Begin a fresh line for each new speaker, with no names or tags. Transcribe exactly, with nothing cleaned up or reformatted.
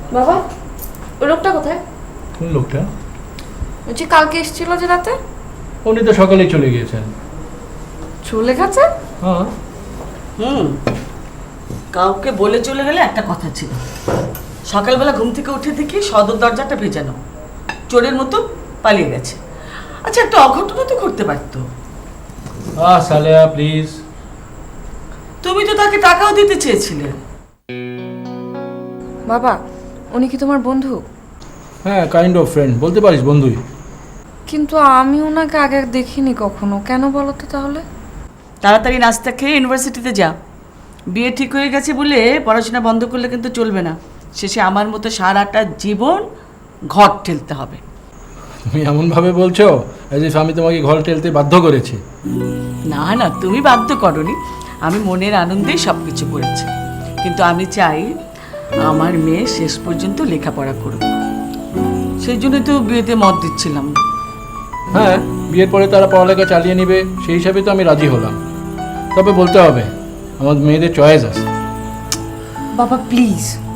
বাবা, ওই লোকটা কোথায়?
কোন লোকটা?
বলছি কালকে এসেছিল যে রাতে।
উনি তো সকালেই চলে গিয়েছেন।
চলে গেছে?
হ্যাঁ।
হুম, কাউকে বলে চলে গেলে একটা কথা ছিল, সকালবেলা ঘুম থেকে উঠে দেখি সদর দরজাটা ভেজানো, চোরের মতো পালিয়ে গেছে। আচ্ছা, একটা অঘটনও তো করতে পারতো।
আহ সালেহা প্লিজ।
তুমি তো তাকে টাকাও দিতে চেয়েছিলে।
বাবা, উনি কি তোমার বন্ধু?
হ্যাঁ, কাইন্ড অফ ফ্রেন্ড বলতে পারিস, বন্ধুই।
কিন্তু আমি ওনাকে আগে দেখিনি কখনো, কেন বলো তো তাহলে?
তাড়াতাড়ি নাস্তা খেয়ে ইউনিভার্সিটিতে যা। বিয়ে ঠিক হয়ে গেছে বলে পড়াশোনা বন্ধ করলে কিন্তু চলবে না, শেষে আমার মতো সারাটা জীবন ঘর ঠেলতে হবে।
তুমি এমনভাবে বলছো অ্যাজ ইফ আমি তোমাকে ঘর টেলতে বাধ্য করেছি।
না না, তুমি বাধ্য করনি, আমি মনের আনন্দেই সব কিছু করেছি। কিন্তু আমি চাই আমার মেয়ে শেষ পর্যন্ত লেখাপড়া করুক, সেই জন্যই তো বিয়েতে মত দিচ্ছিলাম।
হ্যাঁ, বিয়ের পরে তারা পড়ালেখা চালিয়ে নিবে, সেই হিসাবে তো আমি রাজি হলাম। তবে বলতে হবে আমার মেয়েদের চয়েস আছে।
বাবা প্লিজ,